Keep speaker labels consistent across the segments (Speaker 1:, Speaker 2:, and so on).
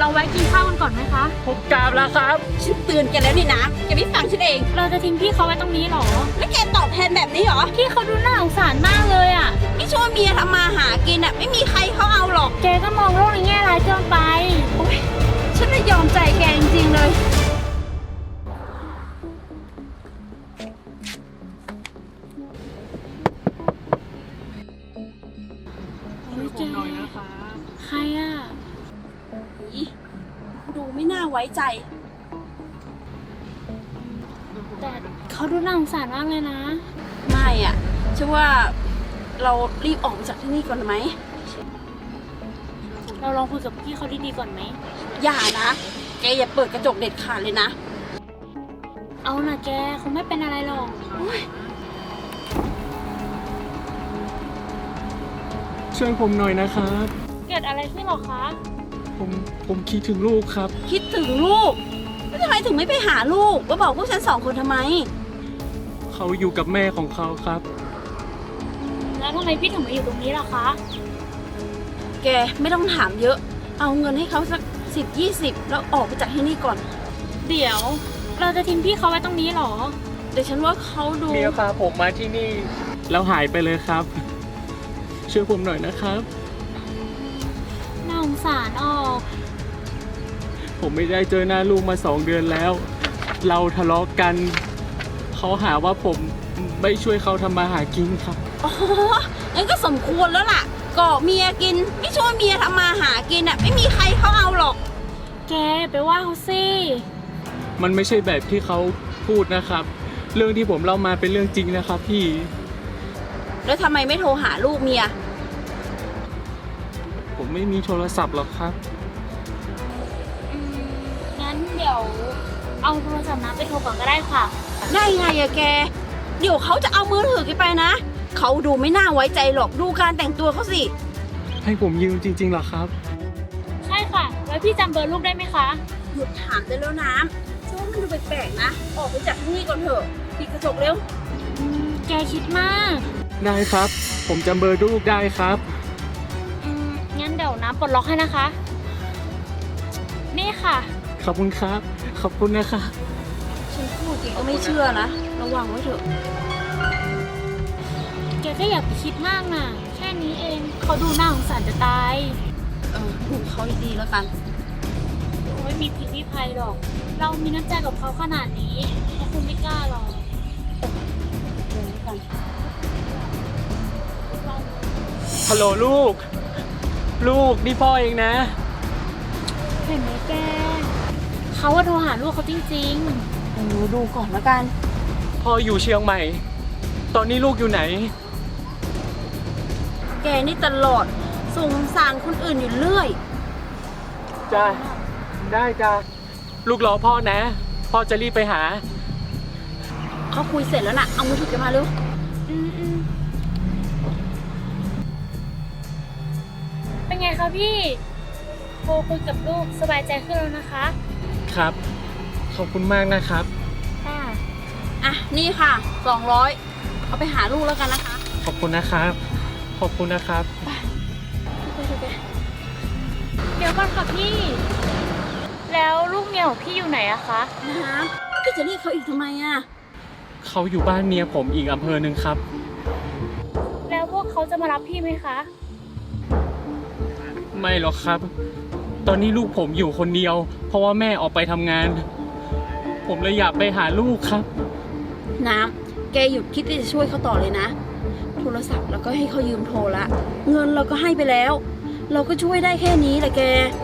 Speaker 1: เราแวะกินข้าวกันก่อนไหมคะ
Speaker 2: ผมกราบแล้วครับ
Speaker 3: ฉันเตือนแกแล้วนี่นะแกไม่ฟังฉันเอง
Speaker 1: เราจะทิ้งพี่เขาไว้ตรงนี้หรอ
Speaker 3: แล้วแกตอบแทนแบบนี้เหรอ
Speaker 1: พี่เขาดูน่าสงสารมากเลยอ่ะ
Speaker 3: ไม่ช่วยเมียทำมาหากินอ่ะไม่มีใครเขาเอาหรอก
Speaker 1: แกก็มองโลกในแง่ร้ายเกินไป
Speaker 3: โอ๊ยฉันไม่ยอมใจแกจริงๆเลย
Speaker 2: ผมหน่อยนะคะ
Speaker 1: ใครอ่ะ
Speaker 3: ดูไม่น่าไว้ใจ
Speaker 1: แต่เขาดูน่าสงสารมากเลยนะ
Speaker 3: ไม่อ่ะฉันว่าเรารีบออกจากที่นี่ก่อนไหม
Speaker 1: เราลองคุยกับพี่เขาดีๆก่อนไหม
Speaker 3: อย่านะแกอย่าเปิดกระจกเด็ดขาดเลยนะ
Speaker 1: เอานะแกคงไม่เป็นอะไรหรอก
Speaker 2: ช่วยผมหน่อยนะครับ
Speaker 1: เกิดอะไรขึ้นหรอคะ
Speaker 2: ผมคิดถึงลูกครับ
Speaker 3: คิดถึงลูกแล้วทำไมถึงไม่ไปหาลูกว่าบอกพวกฉัน2 คนทำไม
Speaker 2: เขาอยู่กับแม่ของเขาครับ
Speaker 1: แล้วทำไมพี่ถึงมาอยู่ตรงนี้ล่ะคะ
Speaker 3: แกไม่ต้องถามเยอะเอาเงินให้เขาสัก10-20แล้วออกไปจากที่นี่ก่อน
Speaker 1: เดี๋ยวเราจะทิ้งพี่เขาไว้ตรงนี้หรอ
Speaker 3: แต่ฉันว่าเขาดู
Speaker 2: เมียพาผมมาที่นี่แล้วหายไปเลยครับช่วยผมหน่อยนะครับ
Speaker 1: น่าสงสารออก
Speaker 2: ผมไม่ได้เจอหน้าลูกมา2 เดือนแล้วเราทะเลาะกันเขาหาว่าผมไม่ช่วยเขาทำมาหากินครับ
Speaker 3: อ๋องั้นก็สมควรแล้วล่ะก่อเมียกินไม่ช่วยเมียทำมาหากินอ่ะไม่มีใครเขาเอาหรอก
Speaker 1: แกไปว่าเขาสิ
Speaker 2: มันไม่ใช่แบบที่เขาพูดนะครับเรื่องที่ผมเล่ามาเป็นเรื่องจริงนะครับพี่
Speaker 3: แล้วทำไมไม่โทรหาลูกเมีย
Speaker 2: ผมไม่มีโทรศัพท์หรอกครับ
Speaker 1: งั้นเดี๋ยวเอาโทรศัพท์น้าไปโทรก่อนก็ได้ค่ะ
Speaker 3: ได้ไงอะแกเดี๋ยวเขาจะเอามือถือไปนะเขาดูไม่น่าไว้ใจหรอกดูการแต่งตัวเขาสิ
Speaker 2: ให้ผมยืมจริงๆเหรอครับ
Speaker 1: ใช่ค่ะแล้วพี่จำเบอร์ลูกได้ไหมคะ
Speaker 3: หยุดถามได้แล้วน้ำช่วงมันดูแปลกๆนะออกไปจากที่นี่ก่อนเถอะปิดกระจกเร็ว
Speaker 1: แกคิดมาก
Speaker 2: ได้ครับผมจำเบอร์ลูกได้ครับ
Speaker 1: งั้นเดี๋ยวน้ำปลดล็อกให้นะคะนี่ค่ะ
Speaker 2: ขอบคุณครับขอบคุณนะคะ
Speaker 3: ฉันพูดจริงก็ไม่เชื่อนะระวังไว้เถอะ
Speaker 1: แกก็อย่าไปคิดมากนะแค่นี้เองเขาดูน่าสงสารจะตาย
Speaker 3: ดูเขาดีๆแล้วกัน
Speaker 1: ไม่มีพิษมีภัยหรอกเรามีน้ำใจกับเขาขนาดนี้เขาคงไม่กล้าหรอก
Speaker 2: ฮัลโหลลูกนี่พ่อเองนะ
Speaker 1: เห็นไหมแกเขาว่าโทรหาลูกเขาจริง
Speaker 3: ๆดูก่อนแล้วกัน
Speaker 2: พ่ออยู่เชียงใหม่ตอนนี้ลูกอยู่ไหน
Speaker 3: แกนี่ตลอดสงสารคนอื่นอยู่เรื่อย
Speaker 2: จ้าได้จ้าลูกรอพ่อนะพ่อจะรีบไปหา
Speaker 3: เขาคุยเสร็จแล้วนะเอามือถือกันมาเร็ว
Speaker 1: เป็นไงคะพี่โทรคุยกับลูกสบายใจขึ้นแล้วนะคะ
Speaker 2: ครับขอบคุณมากนะครับ
Speaker 3: ค่ะนี่ค่ะ200เอาไปหาลูกแล้วกันนะคะ
Speaker 2: ขอบคุณนะครับขอบคุณนะครับ
Speaker 1: เดี๋ยวก่อนค่ะพี่แล้วลูกเมียของพี่อยู่ไหนอะคะ
Speaker 3: น้ำพี่จะเรียกเขาอีกทำไมอะ
Speaker 2: เขาอยู่บ้านเมียผมอีกอำเภอหนึ่งครับ
Speaker 1: แล้วพวกเขาจะมารับพี่ไหมคะ
Speaker 2: ไม่หรอกครับตอนนี้ลูกผมอยู่คนเดียวเพราะว่าแม่ออกไปทำงานผมเลยอยากไปหาลูกครับ
Speaker 3: น้ำแกหยุดคิดที่จะช่วยเขาต่อเลยนะโทรศัพท์แล้วก็ให้เขายืมโทรละเงินเราก็ให้ไปแล้วเราก็ช่วยได้แค่นี้แหละแก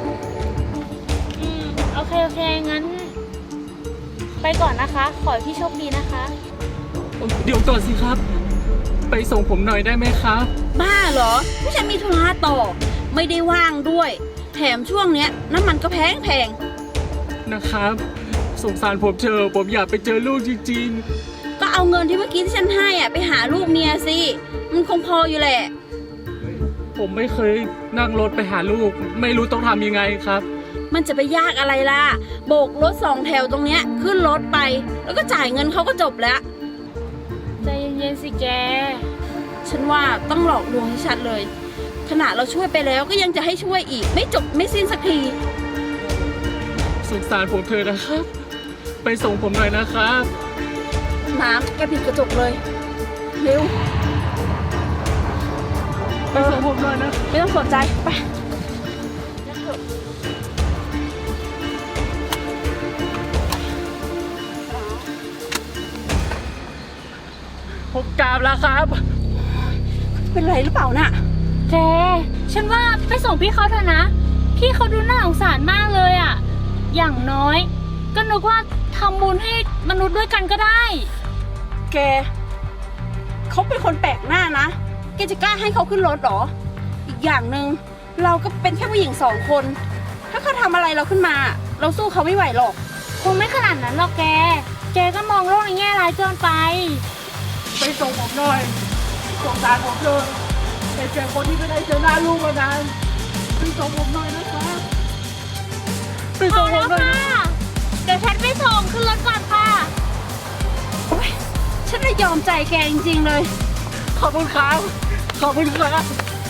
Speaker 1: โอเคงั้นไปก่อนนะคะขอให้พี่โชคดีนะคะ
Speaker 2: เดี๋ยวก่อนสิครับไปส่งผมหน่อยได้ไหมครับ
Speaker 3: บ้าเหรอผู้ฉันมีธุระต่อไม่ได้ว่างด้วยแถมช่วงเนี้ยน้ำมันก็แพง
Speaker 2: นะครับสงสารผมเถอะผมอยากไปเจอลูกจริง
Speaker 3: ๆก็เอาเงินที่เมื่อกี้ที่ฉันให้ไปหาลูกเมียสิมันคงพออยู่แหละ
Speaker 2: ผมไม่เคยนั่งรถไปหาลูกไม่รู้ต้องทำยังไงครับ
Speaker 3: มันจะไปยากอะไรล่ะโบกรถ2 แถวตรงเนี้ยขึ้นรถไปแล้วก็จ่ายเงินเขาก็จบแล้ว
Speaker 1: ใจเย็นๆสิแก
Speaker 3: ฉันว่าต้องหลอกลวงให้ชัดเลยขณะเราช่วยไปแล้วก็ยังจะให้ช่วยอีกไม่จบไม่สิ้นสักที
Speaker 2: งสารผมเถอะนะครับ ไปส่งผมหน่อยนะครับ
Speaker 3: น้ำแกปิดกระจกเลย เร็ว
Speaker 2: ไปส่งผมหน่อยนะ
Speaker 3: ไม่ต้องสนใจ ไป
Speaker 2: ผมกราบแล้วครับ
Speaker 3: เป็นไรหรือเปล่าน่ะ
Speaker 1: แก ฉันว่าไปส่งพี่เขาเถอะนะ พี่เขาดูน่าสงสารมากเลยอะอย่างน้อย ก็นึกว่าทำบุญให้มนุษย์ด้วยกันก็ได้
Speaker 3: แก เขาเป็นคนแปลกหน้านะ แกจะกล้าให้เขาขึ้นรถเหรอ อีกอย่างหนึ่งเราก็เป็นแค่ผู้หญิง2 คน ถ้าเขาทำอะไรเราขึ้นมา เราสู้เขาไม่ไหวหรอก
Speaker 1: คงไม่ขนาดนั้นหรอกแก แกก็มองโลกในแง่ร้ายเกินไป
Speaker 2: ไปส่งผมหน่อยสงสารผมเถอะแต่เจอคนที่ไม่ได้เจอหน้าลูกมานานไปส่งผมหน่อยนะครับไป
Speaker 1: พ
Speaker 2: ส่
Speaker 1: อง
Speaker 2: ผม
Speaker 1: แล้ว
Speaker 2: หน่อย
Speaker 1: ค่ะ เดี๋ยวฉันไปส่งขึ้นรถก่อนค่ะ
Speaker 3: โอ๊ย ฉันเลยยอมใจแกจริงๆเลย
Speaker 2: ขอบคุณครับ ขอบคุณครับ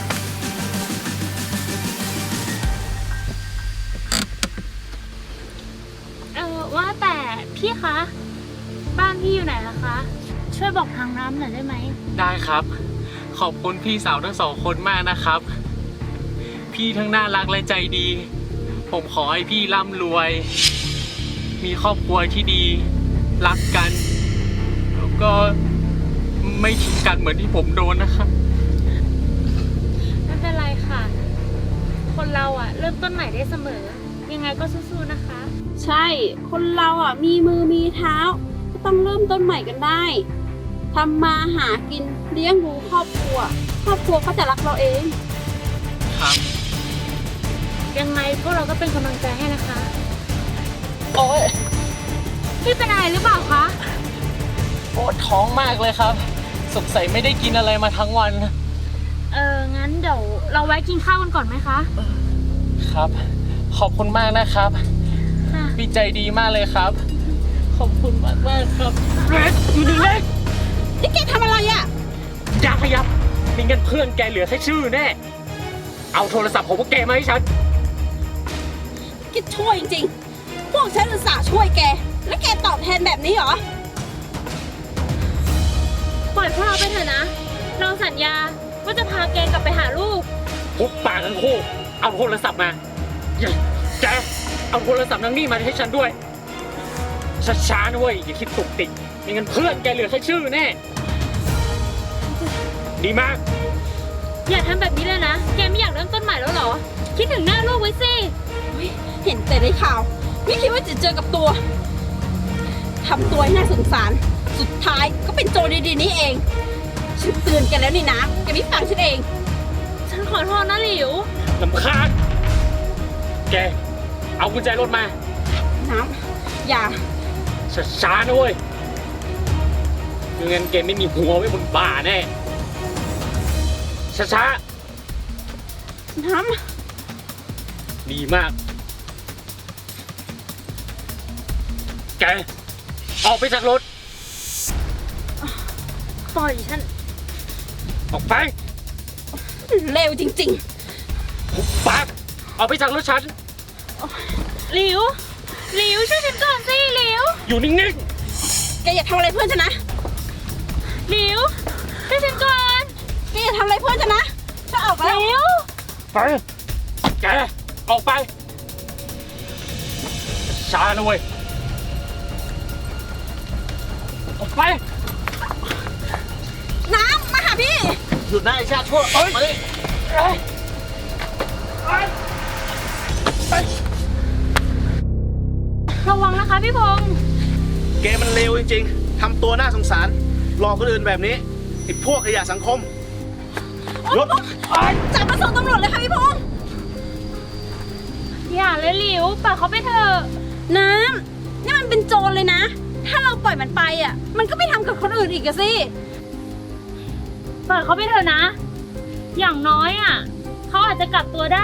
Speaker 1: ว่าแต่พี่คะ บ้านพี่อยู่ไหนล่ะคะ ช่วยบอกทางน้ำหน่อยได้ไหม
Speaker 2: ได้ครับ ขอบคุณพี่สาวทั้ง2 คนมากนะครับ พี่ทั้งน่ารักและใจดี ผมขอให้พี่ร่ำรวย มีครอบครัวที่ดี รักกัน แล้วก็ไม่ทิ้งกันเหมือนที่ผมโดนนะครับ
Speaker 1: ไม่เป็นไรค่ะ คนเราอะเริ่มต้นใหม่ได้เสมอ ยังไงก็สู้ๆนะคะ
Speaker 3: ใช่ คนเราอ่ะมีมือมีเท้า ก็ต้องเริ่มต้นใหม่กันได้ทำมาหากินเลี้ยงดูครอบครัว ครอบครัวเขาจะรักเราเอง
Speaker 2: ครับ
Speaker 1: ยังไงพวกเราก็เป็นกำลังใจให้นะคะ
Speaker 2: โอ๊ย
Speaker 1: พี่เป็นอะไรหรือเปล่าคะ
Speaker 2: ปวดท้องมากเลยครับ สงสัยไม่ได้กินอะไรมาทั้งวัน
Speaker 1: งั้นเดี๋ยวเราไว้กินข้าวกันก่อนไหมคะ
Speaker 2: ครับ ขอบคุณมากนะครับ
Speaker 1: ค่ะ
Speaker 2: พี่ใจดีมากเลยครับ ขอบคุณมากมากๆครับเรดอยู่นี่เลย
Speaker 3: นี่แกทำอะไรอ่ะ
Speaker 2: อย่าขยับไม่งั้นเพื่อนแกเหลือแค่ชื่อแน่ เอาโทรศัพท์ของพวกแกมาให้ฉัน
Speaker 3: แกช่วยจริงๆ พวกฉันอุตส่าห์ช่วยแก แล้วแกตอบแทนแบบนี้เหรอ
Speaker 1: ปล่อยพวกเราไปเถอะนะ เราสัญญาว่าจะพาแกกลับไปหาลูก
Speaker 2: พุบปากทั้งคู่ เอาโทรศัพท์มาอย่าแกเอาโทรศัพท์นางนี่มาให้ฉันด้วย ช้าๆนะเว้ย อย่าคิดตุกติกไม่งั้นเพื่อนแกเหลือแค่ชื่อแน่ ดีมาก
Speaker 1: อย่าทำแบบนี้เลยนะ แกไม่อยากเริ่มต้นใหม่แล้วเหรอ คิดถึงหน้าลูกไว้สิ
Speaker 3: เห็นแต่ในข่าว ไม่คิดว่าจะเจอกับตัว ทำตัวให้น่าสงสาร สุดท้ายก็เป็นโจรดีๆนี่เอง ฉันเตือนแกแล้วนี่นะแกไม่ฟังฉันเอง
Speaker 1: ฉันขอโทษนะหลิว
Speaker 2: ลำคาญ แก เอากุญแจรถมา
Speaker 3: น้ำอย่า
Speaker 2: ช้าๆนะเว้ยไม่งั้นแกไม่มีหัวไว้บนบ่าแน่ ช้า
Speaker 3: น้
Speaker 2: ๆ ดีมาก แก ออกไปจากรถ
Speaker 1: ปล่อยฉัน
Speaker 2: ออกไป
Speaker 3: ำเลวจริง
Speaker 2: หุบปากออกไปจากรถฉัน
Speaker 1: หลิว หลิวช่วยฉันก่อนสิหลิว
Speaker 2: อยู่นิ่ง
Speaker 3: ๆ แกอย่าทำอะไรเพื่อนฉันนะ
Speaker 1: หลิวช่วยฉันก่อน
Speaker 3: แกอย่าทำอะไรเพื่อนฉันนะฉันออก
Speaker 1: ห
Speaker 3: แล้ว
Speaker 1: ลิว
Speaker 2: ๆ ไป แก ออกไป ช้านะเว้ย ออกไป
Speaker 3: น้ำมาหาพี่
Speaker 2: หยุดได้ชาติชั่วออกมาดิเอ้ย
Speaker 1: ระวังนะคะพี่พงษ์
Speaker 4: แกมันเลวจริงๆ ทำตัวน่าสงสาร หลอกคนอื่นแบบนี้ไอ้พวกขยะสังคมรถ
Speaker 3: จับมาส่งตำรวจเลยค่ะพี่พงษ์
Speaker 1: อย่าเลยหลิวปล่อยเขาไปเถอะ
Speaker 3: น้ำนี่มันเป็นโจรเลยนะ ถ้าเราปล่อยมันไปอ่ะ มันก็ไม่ทำกับคนอื่นอีกอะสิ
Speaker 1: ปล่อยเขาไปเถอะนะ อย่างน้อยอ่ะ เขาอาจจะกลับตัวได้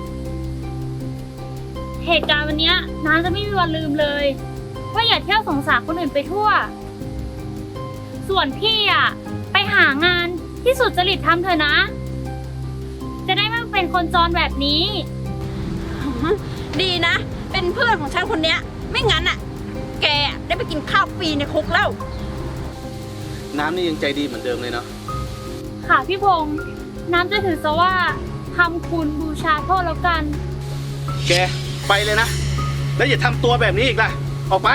Speaker 1: เหตุการณ์วันเนี้ยน้าจะไม่มีวันลืมเลย ว่าอย่าเที่ยวสงสารคนอื่นไปทั่ว ส่วนพี่อ่ะ ไปหางานที่สุจริตทำเถอะนะ จะได้ไม่เป็นคนจรแบบนี้
Speaker 3: ดีนะ เป็นเป็นเพื่อนของฉันคนเนี้ย ไม่งั้นอ่ะ แกได้ไปกินข้าวฟรีในคุกแล้ว
Speaker 4: น้ำนี่ยังใจดีเหมือนเดิมเลยเนาะ
Speaker 1: ค่ะพี่พงษ์น้ำจะถือซะว่าทำคุณบูชาโทษแล้วกัน
Speaker 4: แกไปเลยนะ แล้วอย่าทำตัวแบบนี้อีกล่ะ ออกไป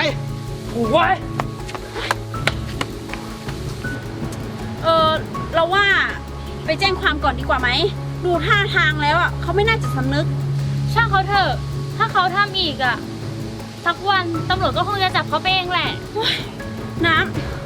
Speaker 3: เราว่าไปแจ้งความก่อนดีกว่าไหม ดูท่าทางแล้วอ่ะเขาไม่น่าจะสำนึก
Speaker 1: ช่างเขาเถอะ ถ้าเขาทำอีกอ่ะ สักวันตำรวจก็คงจะจับเขาไปเองแหละ
Speaker 3: น้ำ